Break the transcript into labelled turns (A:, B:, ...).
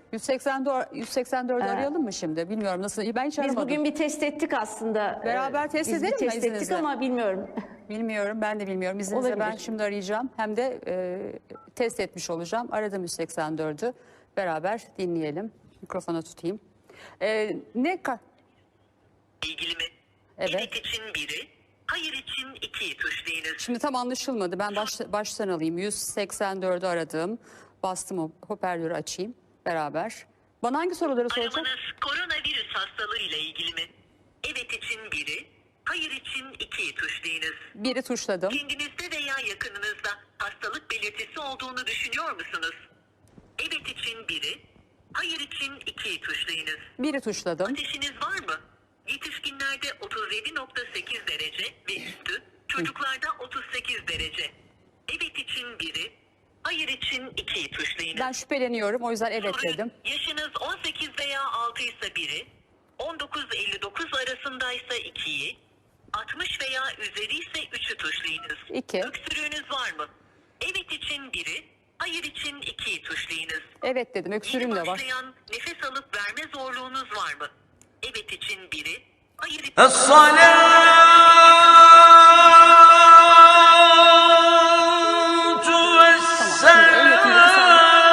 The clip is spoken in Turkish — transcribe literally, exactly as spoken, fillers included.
A: yüz seksen dört, yüz seksen dördü
B: Ee,
A: arayalım mı şimdi? Bilmiyorum nasıl. Ben hiç
B: Biz
A: aramadım.
B: bugün bir test ettik aslında.
A: Beraber
B: Ee,
A: test
B: Biz bir
A: edelim mi
B: test ettik
A: izninizle?
B: ama bilmiyorum.
A: Bilmiyorum, ben de bilmiyorum. İzninizle ben
B: Olabilir.
A: şimdi arayacağım. Hem de e, test etmiş olacağım. Aradım yüz seksen dördü. Beraber dinleyelim. Mikrofona tutayım. E, ne ka-
C: ilgili mi?
A: Evet.
C: Evet için biri, hayır için ikiyi tuşlayınız.
A: Şimdi tam anlaşılmadı. Ben baş, baştan alayım. yüz seksen dördü aradım. Bastım, o hoparlörü açayım beraber. Bana hangi soruları soracak?
C: Aramanız koronavirüs hastalığıyla ilgili mi? Evet için biri, hayır için ikiyi tuşlayınız.
A: Biri tuşladım.
C: Kendinizde veya yakınınızda hastalık belirtisi olduğunu düşünüyor musunuz? Evet için biri, hayır için ikiyi tuşlayınız.
A: Biri tuşladım.
C: Ateşiniz var mı? Yetişkinlerde otuz yedi nokta sekiz derece ve üstü, çocuklarda otuz sekiz derece. Evet için biri, hayır için ikiyi tuşlayınız.
A: Ben şüpheleniyorum. O yüzden evet
C: Soru,
A: dedim.
C: yaşınız on sekiz veya altı ise biri, on dokuz elli dokuz arasındaysa ikiyi, altmış veya üzeri ise üçü tuşlayınız.
A: İki.
C: Öksürüğünüz var mı? Evet için biri, hayır için ikiyi tuşlayınız.
A: Evet dedim. Öksürüğüm
C: Yeni
A: de var.
C: başlayan nefes alıp verme zorluğunuz var mı? Evet için biri, hayır için
D: الصلاة